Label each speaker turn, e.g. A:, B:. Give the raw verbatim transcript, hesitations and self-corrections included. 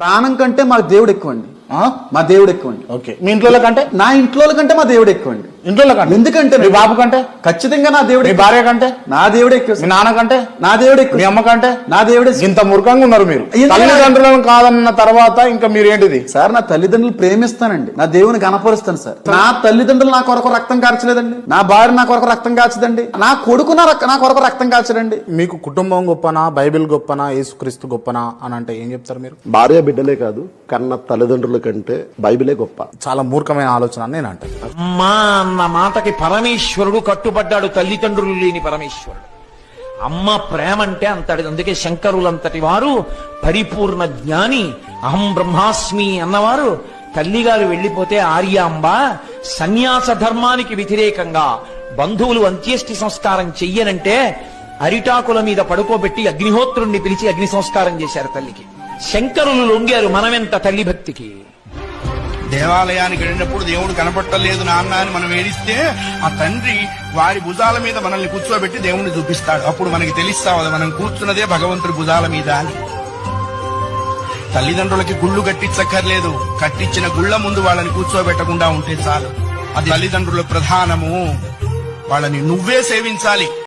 A: ప్రాణం కంటే మా దేవుడు ఎక్కువండి. మా దేవుడు ఎక్కువండి.
B: ఓకే, మీ ఇంట్లో కంటే?
A: నా ఇంట్లో కంటే మా దేవుడు ఎక్కువండి.
B: ఇంట్లో కంటే?
A: ఎందుకంటే
B: మీ బాబు కంటే?
A: ఖచ్చితంగా నా దేవుడు.
B: మీ భార్య కంటే?
A: నా దేవుడు ఎక్కువ.
B: మీ నాన్న కంటే?
A: నా దేవుడు ఎక్కువ.
B: మీ అమ్మ కంటే?
A: నా దేవుడే.
B: ఇంత మూర్ఖంగా ఉన్నారు మీరు. తల్లిదండ్రులను కాదన్న తర్వాత ఇంకా మీరు ఏంటిది
A: సార్? నా తల్లిదండ్రులు ప్రేమిస్తానండి, నా దేవుని కనపరుస్తాను సార్. నా తల్లిదండ్రులు నా కొరకు రక్తం కార్చలేదండి, నా భార్య నా కొరకు రక్తం కాచదండి, నా కొడుకు నా నా కొరకు రక్తం కాచడండి.
B: మీకు కుటుంబం గొప్పనా, బైబిల్ గొప్పనా, యేసుక్రీస్తు గొప్పనా అని అంటే ఏం చెప్తారు మీరు?
C: భార్య బిడ్డలే కాదు, కన్న తల్లిదండ్రుల కంటే బైబిలే గొప్ప.
B: చాలా మూర్ఖమైన ఆలోచన అని నేను అంటాను.
D: అమ్మా అన్న మాటకి పరమేశ్వరుడు కట్టుబడ్డాడు, తల్లిదండ్రులు లేని పరమేశ్వరుడు. అమ్మ ప్రేమ అంటే అంతటి. అందుకే శంకరులంతటి వారు పరిపూర్ణ జ్ఞాని, అహం బ్రహ్మాస్మి అన్నవారు తల్లిగారు వెళ్లిపోతే ఆర్యాంబ సన్యాస ధర్మానికి వ్యతిరేకంగా బంధువులు అంత్యేష్టి సంస్కారం చెయ్యనంటే అరిటాకుల మీద పడుకోబెట్టి అగ్నిహోత్రుణ్ణి పిలిచి అగ్ని సంస్కారం చేశారు తల్లికి. శంకరులు లొంగారు మనమెంత తల్లి భక్తికి.
E: దేవాలయానికి వెళ్ళినప్పుడు దేవుడు కనపట్టలేదు నాన్న అని మనం ఏడిస్తే ఆ తండ్రి వారి భుజాల మీద మనల్ని కూర్చోబెట్టి దేవుణ్ణి చూపిస్తాడు. అప్పుడు మనకి తెలుస్తావు మనం కూర్చున్నదే భగవంతుడి భుజాల మీద అని. తల్లిదండ్రులకి గుళ్ళు కట్టించక్కర్లేదు, కట్టించిన గుళ్ళ ముందు వాళ్ళని కూర్చోబెట్టకుండా ఉంటే చాలు. అది తల్లిదండ్రుల ప్రధానము. వాళ్ళని నువ్వే సేవించాలి.